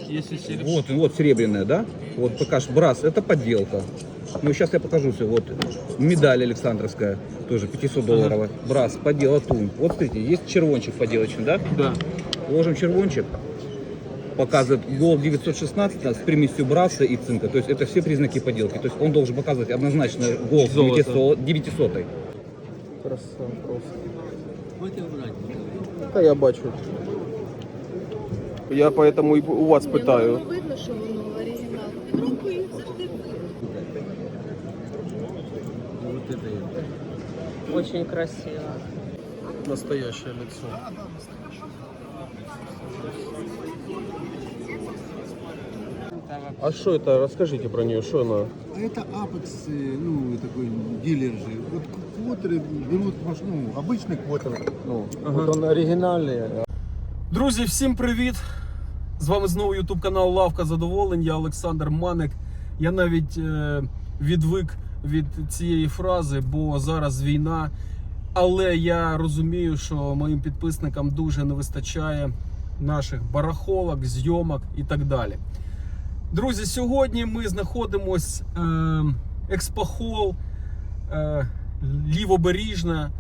Если серебро. Вот серебряная, да? Вот покажешь, брас, это подделка. Ну, сейчас я покажу все. Вот медаль Александровская, тоже 500 долларовая. Брас, подделка, тун. Вот смотрите, есть червончик поделочный, да? Да. Ложим червончик. Показывает гол 916 с примесью браса и цинка. То есть это все признаки поделки. То есть он должен показывать однозначно гол 900. Краса просто. Та я бачу. Я поэтому і у вас питаю. Ну, видно, що воно оригінал. Під рукою завжди видно. Очень красиво. Настоящее лицо. А что это? Расскажите про нее, что она? Это Apex, ну, такой дилер же. Вот квотеры берут, ну, обычный квотер, ну, вот он оригинальный. Друзі, всім привіт! З вами знову YouTube канал Лавка Задоволень, я Олександр Маник. Я навіть відвик від цієї фрази, бо зараз війна. Але я розумію, що моїм підписникам дуже не вистачає наших барахолок, зйомок і так далі. Друзі, сьогодні ми знаходимось експохол Лівобережна,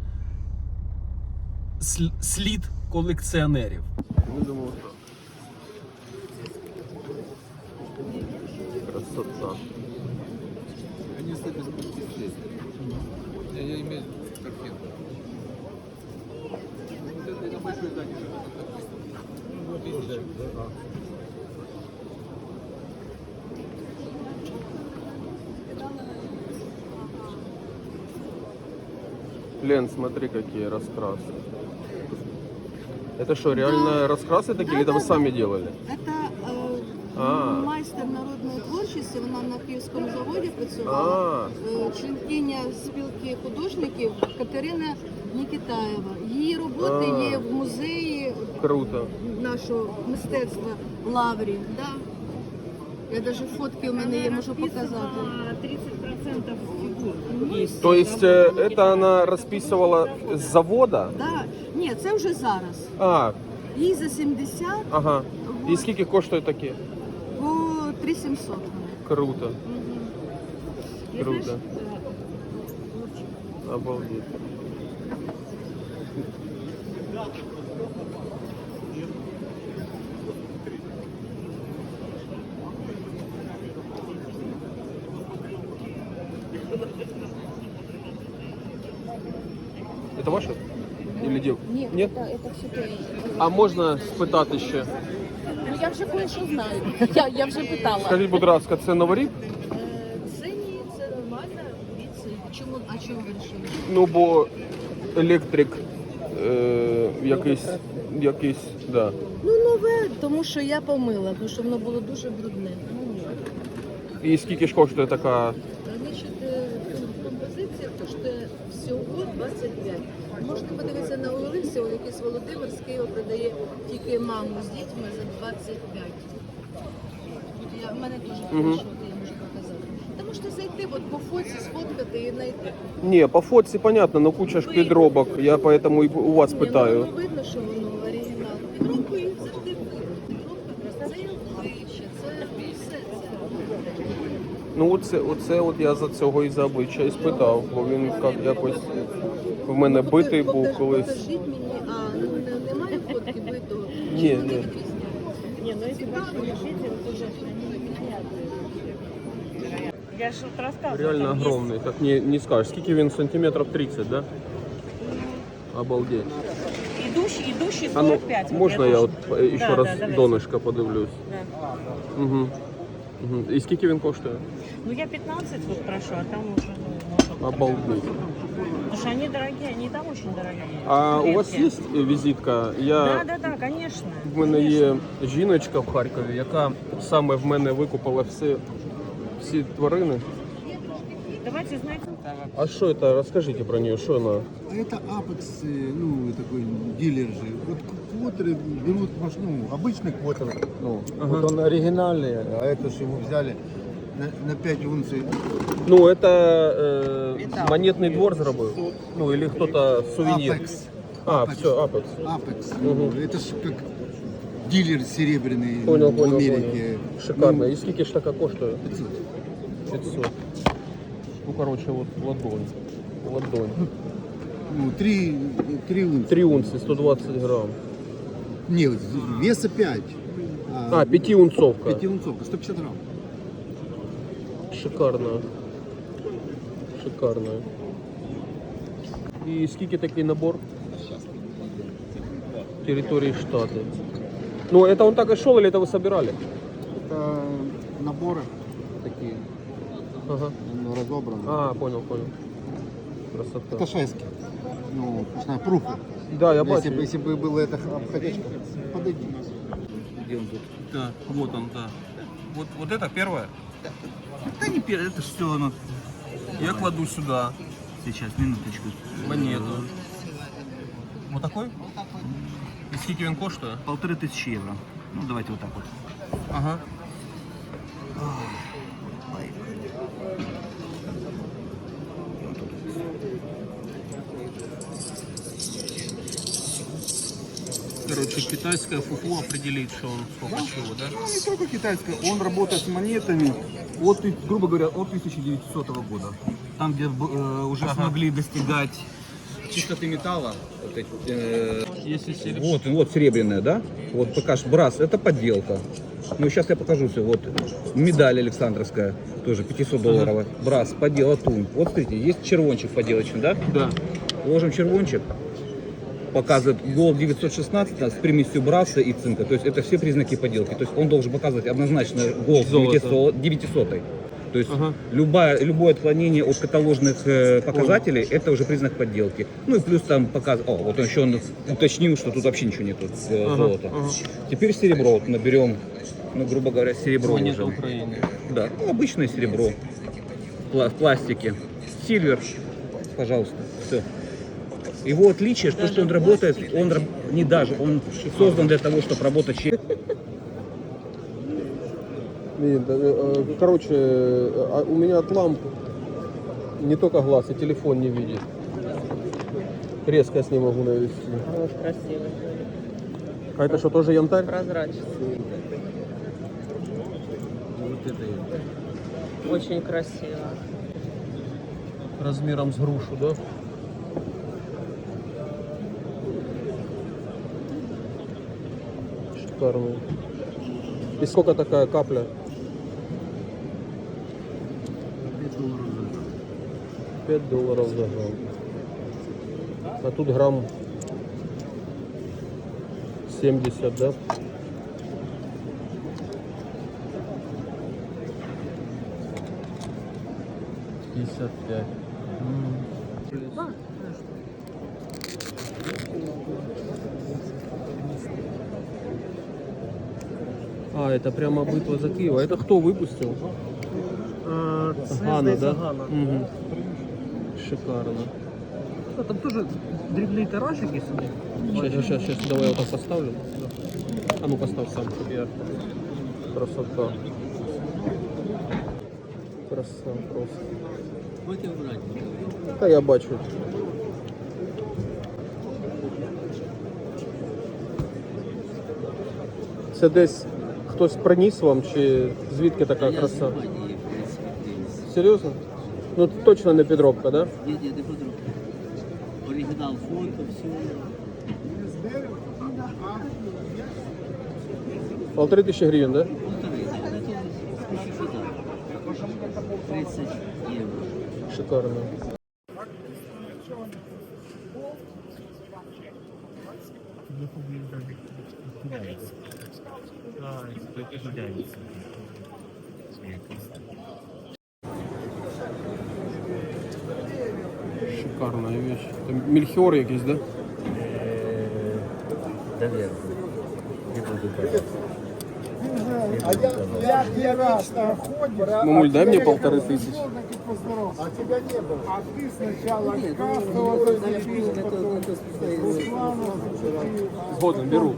слід колекціонерів. Красота. Они с этой спустились. Я имею картинку. Вот это большой задний. Лен, смотри, какие раскрасы. Это что, реально раскрасы такие, или это вы сами делали? Це майстер народної творчості, вона на Київському заводі А. працювала. Членкиня спілки художників Катерина Нікітаєва. Її роботи є в музеї Круто. нашого мистецтва в Лаврі. Да? Я навіть фотки у мене є, можу показати. 30% фигур. То есть это она расписывала с завода? Да. Ні, це вже зараз. А, Їй за 70, ага. И сколько коштуют такие? по 3700. Круто. Круто. Обалдеть. Это ваше? Или дев? Ні, Нет? це все те. А можна спитати ще? Ну, я вже кое-що знаю. Я вже питала. Скажіть, будь ласка, це новорік? Це ні, це нормально. Чому, а чому ви вирішили? Ну, бо електрик якийсь, да. Ну, нове, тому що я помила, тому що воно було дуже брудне. Ну, ні. І скільки ж коштує така? Значить, композиція коштує всього 25. Можна подивитися на Олексі, якийсь Володимир з Києва продає тільки маму з дітьми за 25. В мене дуже хорошо, я можу показати. Та можете зайти, от по фоці, сфоткати і знайти. Ні, по фотці понятно, но куча ж підробок, я поэтому і у вас питаю. Ну, видно, що воно оригінал. Під рукою завжди видно. Це обличчя, це все це. Ну, оце от я за цього і за обличчя і спитав, бо він якось в мене битий був колись. Покажіть мені, немає фотки битого? Ні. Не, ну если большой решитель, то уже я же вот рассказывала. Реально там огромний, так не скажеш. Скільки він, сантиметрів 30, да? Обалдеть. Идущий А ну, 45. вот можна я тоже. от ще Да, раз да, давайте. донышко подивлюсь? Да. Угу. І скільки він коштує? Ну я 15 вот прошу, а там уже ну, может. Обалдеть. Потому что они дорогие, они там очень дорогие. А у вас Редкие. є візитка? Да, конечно. В мене конечно. є жіночка в Харкові, яка саме в мене викупила всі тварини. Давайте, знаете, А що це? Розкажіть про неї, що вона? Это Apex, ну, такой дилер же. Вот квотеры берут, ну, обычный квотер, ну, вот он оригинальный, а это же его взяли на 5 унций. Ну, це монетний двор зробив? Ну, или хто-то сувенір? Apex. А, все, Apex. Apex. Мгм. Это же как дилер серебряный Понял, в понял, Америке. понял. Шикарно. И скільки ж така коштує? 500. 500. Ну, короче, вот ладонь. Ладонь. Ну, 3 унции. 3 унции, 120 грамм. Нет, веса 5. А, 5-унцовка. 5 унцовка, 150 грамм. Шикарно. Шикарно. И скільки такий набор? Территории штата. Ну, это он так и шел, или это вы собирали? Это наборы такие, Ага. ну, разобраны. А, понял, понял. Красота. Это шески. Ну, пушная пруха. Да, я Если бачу. бы было это обходячка, подойди. Где он тут? Да, вот он, да. Вот это первое? Да не первое, это все оно. Я кладу сюда Сейчас, минуточку. монету. Вот такой? И сколько он коштує? 1500 евро. Ну, давайте вот так вот. Ага. Короче, китайское фуфло определит, что он сколько чего, да? Ну, не только китайская, он работает с монетами от, грубо говоря, от 1900 года. Там, где уже смогли достигать чистоты металла. Вот эти, Если серебро. вот серебряная, да? Вот покаж брас, это подделка. Ну, сейчас я покажу все. Вот медаль Александровская, тоже 500 долларов. Брас, поддел, латунь. Вот смотрите, есть червончик поделочный, да? Да. Ложим червончик. Показывает гол 916 с примесью браса и цинка. То есть это все признаки подделки. То есть он должен показывать однозначно гол Золото. 900. То есть Ага. любое отклонение от каталожных показателей это уже признак подделки. Ну и плюс там показывает. О, вот он еще уточнил, что тут вообще ничего нету золота. ага. Теперь серебро. Вот наберем, ну, грубо говоря, серебро Монета уже. Украины. Да, ну, обычное серебро. В пластике. Сильвер. Пожалуйста. Все. Его отличие, что он работает, он создан для того, чтобы работать через... Короче, у меня от ламп не только глаз, и телефон не видит. Резко я с ним могу навести. Вот красивый, А это что, тоже янтарь? прозрачный. Очень красиво. Размером с грушу, да? Шикарный. И сколько такая капля? 5 долларов за грамм. А тут грамм 70, да? $55. А, это прямо битва за Киев. А это кто выпустил? Гана, да? Мгм. Шикарно. Там тоже дрібний тиражик є собі. Сейчас, давай я вот так поставлю. А ну поставь сам, чтобы я... Красота. Краса просто. Будете брати. Та я бачу. Це десь хтось приніс вам, чи звідки така краса? Серйозно? Ну точно не підробка, да? Ні, не подробно. Оригінал фото, все. 1500 гривень, да? Полторы, это 30 евро. Шикарно. Шикарная вещь. Это мельхиор якийсь, да? Наверное. Мамуль, дай мне 1500. А тебя не было. А ты сначала Згоден, беру.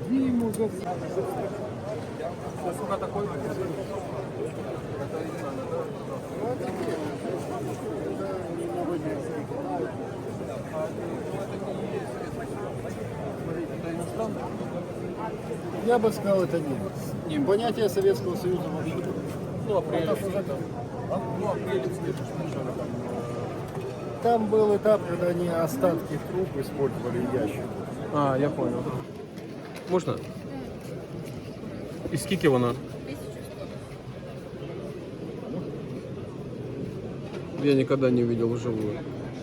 Я бы сказал, это не понятие Советского Союза вообще. Ну, апрелевский. Там был этап, когда они остатки труб использовали в ящик. А, я понял. Можна? І скільки вона? Я никогда не видел вживую.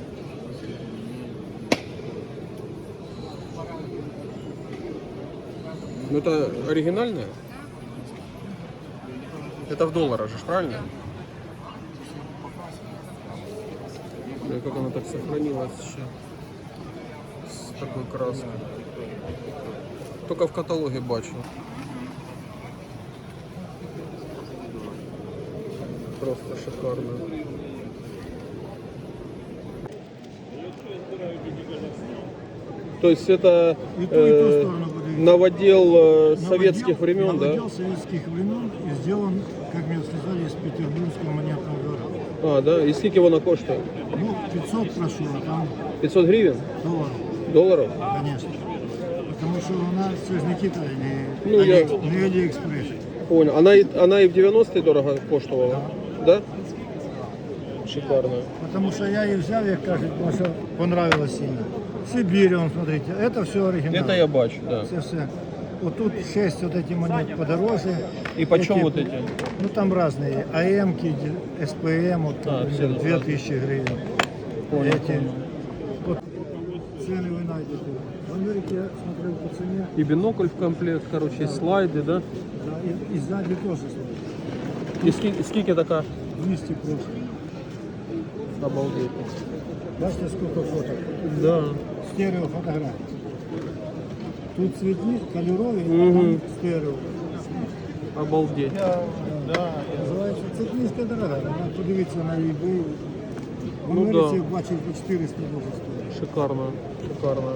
Ну это оригинальная? Это в долларах же, правильно? И как она так сохранилась еще с такой краской. Только в каталоге бачу. Просто шикарно. То есть это И ту сторону будет. новодел советских времен, да? Новодел советских времен и сделан, как мне сказали, из петербургского монетного двора. А, да? И сколько вона коштує? Ну, 500 прошу, а там 500 гривен? долларов, Долларов? конечно. Потому что у нас все же не Китай, Ну, я- не Алиэкспресс. Понял. Она и в 90-е дорого коштувала? Да? Шикарно. Потому что я ее взял, як кажуть, потому что понравилось сильно. Сибирь, вон, смотрите, это все оригинал. Это я бачу, да. Все. Вот тут 6 вот эти монет подороже. И почем вот эти? Ну там разные. АМ-ки, СПМ, вот, А, все тут 2000 гривен. Понял, Эти. понял. Вот цены вы найдете. В Америке я смотрел по цене. И бинокль в комплект, короче, и слайды, да? Да, и сзади тоже смотрите. И сколько такая? 200 просто. Обалдеть. Бачите, сколько фото? Да. Стерео фотографий. Тут цветник, кольоровый, Мгм. а там стерео. Обалдеть. Да, називається цепністка дорога. Вона подивіться на eBay. В Ну Америці да. бачив по 400 може стоїть. Шикарно. Шикарно.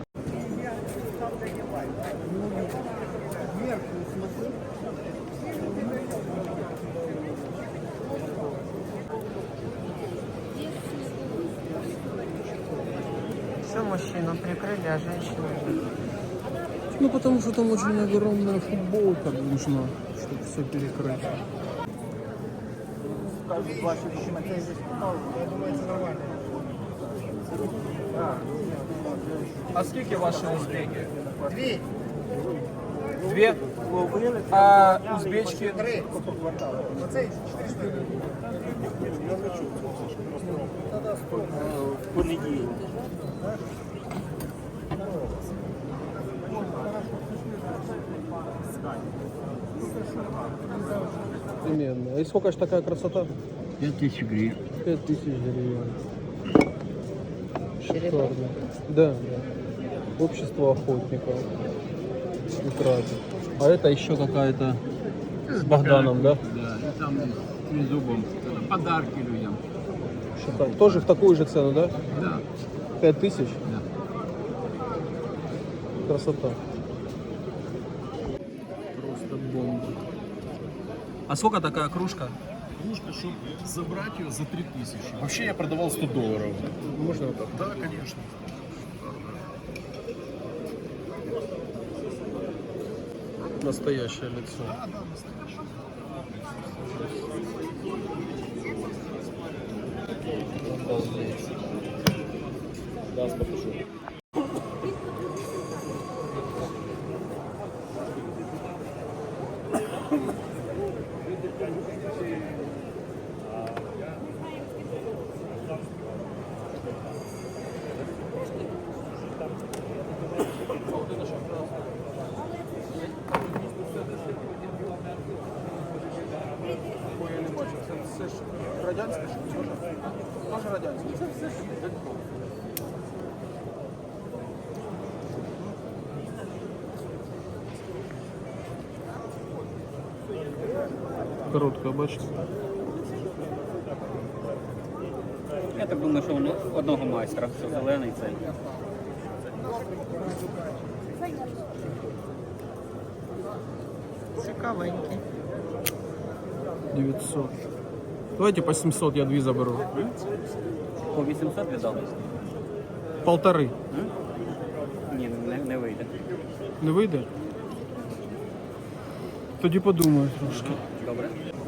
Все мужчину прикрыли, а женщину нет. Ну, потому что там очень огромная футболка нужна, чтобы все перекрыть. А сколько ваши узбеки? Две. А узбечки? Именно. И сколько же такая красота? 5000 гривен. 5000 гривен. Шикарно. Да, да. Общество охотников. Утратит. А это еще какая-то с Богданом, да? Да, и там с трезубом. Подарки людям. Шикарно. Тоже в такую же цену, да? Да. 5000? Да. Красота. Просто бомба. А сколько такая кружка? Кружка, чтобы забрать ее за 3000. Вообще я продавал $100. Можно вот так? Да, конечно. Настоящее лицо. Обалдеть. Да, покажу. Я не бачу. Це ж радянське, що теж? Теж радянське. Це все ж коротка, бачите? Я так думаю, що воно одного майстра, що зелений цей. Цікавенький. 900. Давайте по 700 я две заберу. По 800 віддали? Полторы. Ні, не вийде. Не вийде? Тоді подумаю трошки. Добре.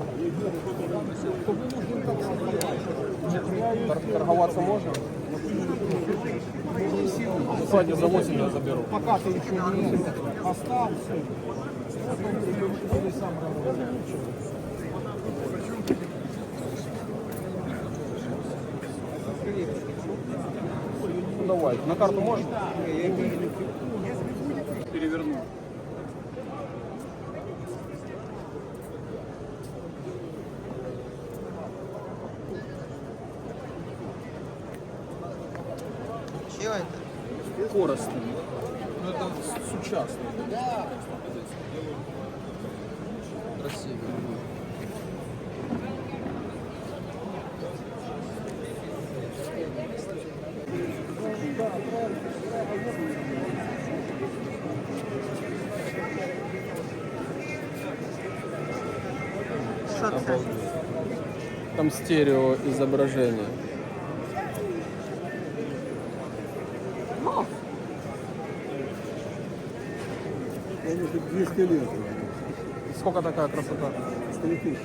Торговаться можно? Сегодня за 8 я заберу. Пока ты еще не остался. Ну, давай, на карту можно? Переверну. Чего это? Коростень. Ну это сучасный. Красивый. Что це? Там стерео изображение. Сколько такая красота? 3000.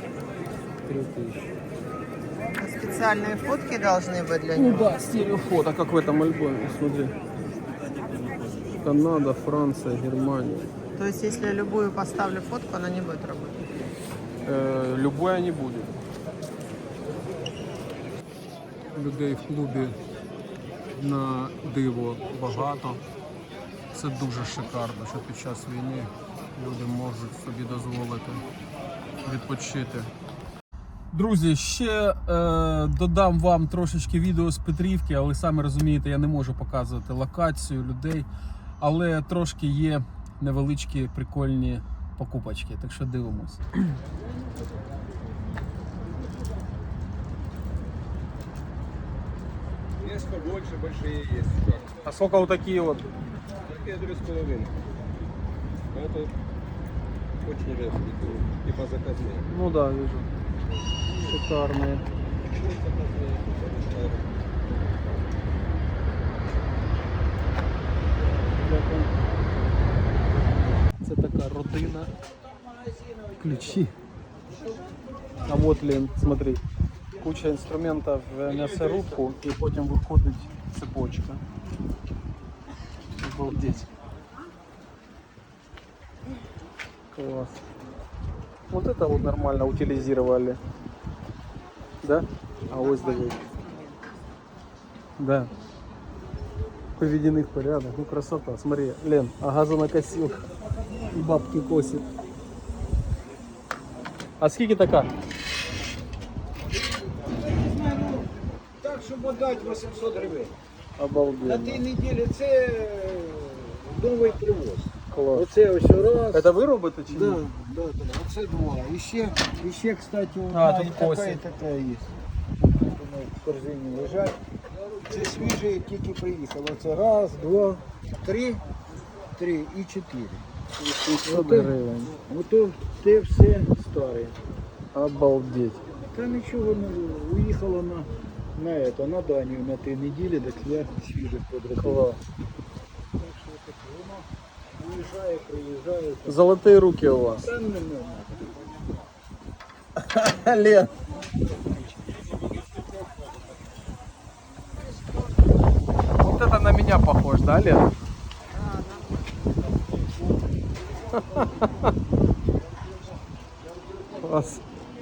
Специальные фотки должны быть для Ну него? да, стереофото, как в этом альбоме, смотри. Канада, Франция, Германия. То есть, если я любую поставлю фотку, она не будет работать? Любое не буде. Людей в клубі на диво багато. Це дуже шикарно, що під час війни люди можуть собі дозволити відпочити. Друзі, ще додам вам трошечки відео з Петрівки, але самі розумієте, я не можу показувати локацію людей, але трошки є невеличкі прикольні покупочки, так що дивимось. Есть побольше, большие есть. А сколько вот такие вот? Такие 3,5. Это очень редкие, типа заказные. Ну да, вижу. Шикарные. Це така родина. Ключі. А вот, Лен, смотри. Куча інструментів в м'ясорубку і потім виходить цепочка. Обалдеть. Класс. Вот это вот нормально утилизировали. Да? А ось давай. Да. Приведены в порядок. Ну красота. Смотри, Лен, а газонокосилка. И бабки косит. А скільки така? Так, щоб отдати 800 гривень. На Обалденно. тій неділі це новий привоз. Класс. Оце ось раз. Это вы робите чи Да, ні? да, да. Оце два. І ще, кстати, А, одна тут і така, косі. і така є. Тут вони в корзині лежать. Це свіжі, тільки приїхало. Це раз, два, три і 4. 800 гривень. Ото те все старе. Обалдеть. Та нічого не уїхало на Данію на тій неділі, так я свіжих подробив. Класс. Так що таке, воно уїжджає, приїжджає. Золотые руки у вас. Та не Лен. Вот это на меня похож, да, Лен? Класс.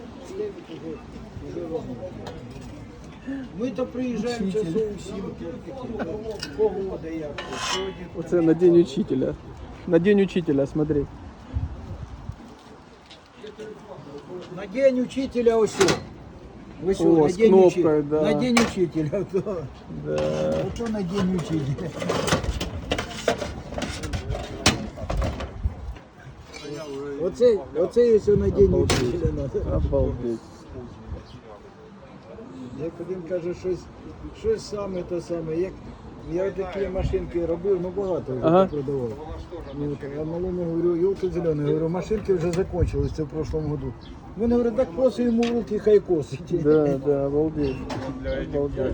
Ми то приїжджаємо часов у 7, погода як. Сьогодні Оце на день учителя. На день учителя, смотри. на день учителя ось. Ось О, на з день кнопкою, да. На день учителя. То. Да. Ото на день учителя. Оце ось на день учителя надо. Обалдеть. Як один каже, щось саме те саме. Я такі машинки робив, ну багато вже Ага. продавав. Ну, а малому говорю, йолки зелений, говорю, машинки вже закінчилися в прошлому году. Вони говорять, так просто йому в руки, хай косить. Да, да, обалдеть. Обалдеть.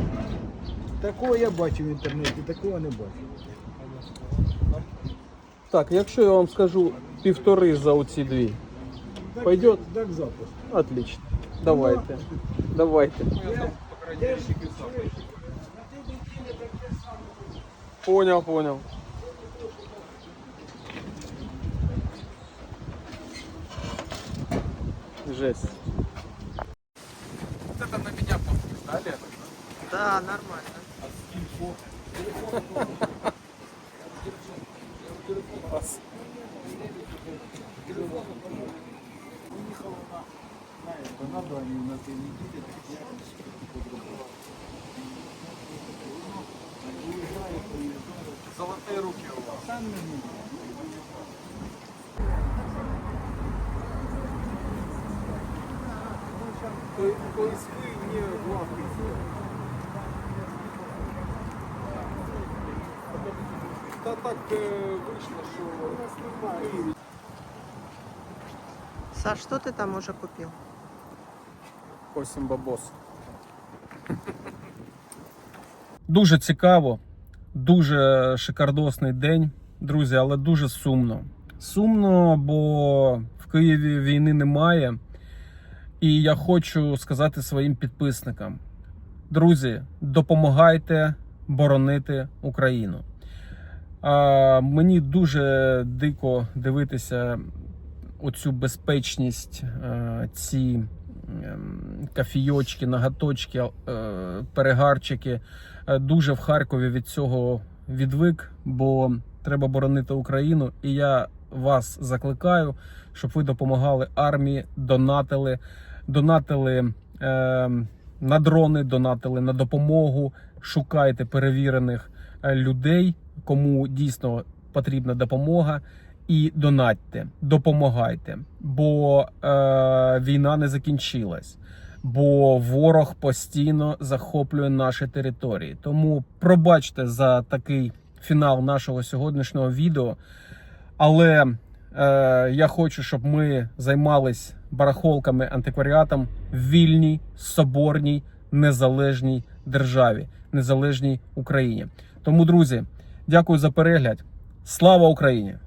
Такого я бачив в інтернеті, такого не бачив. Так, якщо я вам скажу 1,5 за оці дві, пойдет? Так запуск. Отлично. Давайте. Давайте. Понял. Жесть. Вот это на меня похож, да, Лена? Да, нормально. Золотые руки у вас. То есть вы не главный. Та так вийшло, що у нас немає. Саш, что ты там уже купил? Косим бабос. Дуже цікаво, дуже шикардосний день, друзі, але дуже сумно. Сумно, бо в Києві війни немає. І я хочу сказати своїм підписникам: друзі, допомагайте боронити Україну. Мені дуже дико дивитися оцю безпечність, ці кафійочки, наготочки, перегарчики. Дуже в Харкові від цього відвик, бо треба боронити Україну. І я вас закликаю, щоб ви допомагали армії, донатили на дрони, донатили на допомогу, шукайте перевірених людей, кому дійсно потрібна допомога, і донатьте, допомагайте, бо війна не закінчилась, бо ворог постійно захоплює наші території. Тому пробачте за такий фінал нашого сьогоднішнього відео, але я хочу, щоб ми займались барахолками, антикваріатом в вільній, соборній, незалежній державі, незалежній Україні. Тому, друзі, дякую за перегляд. Слава Україні!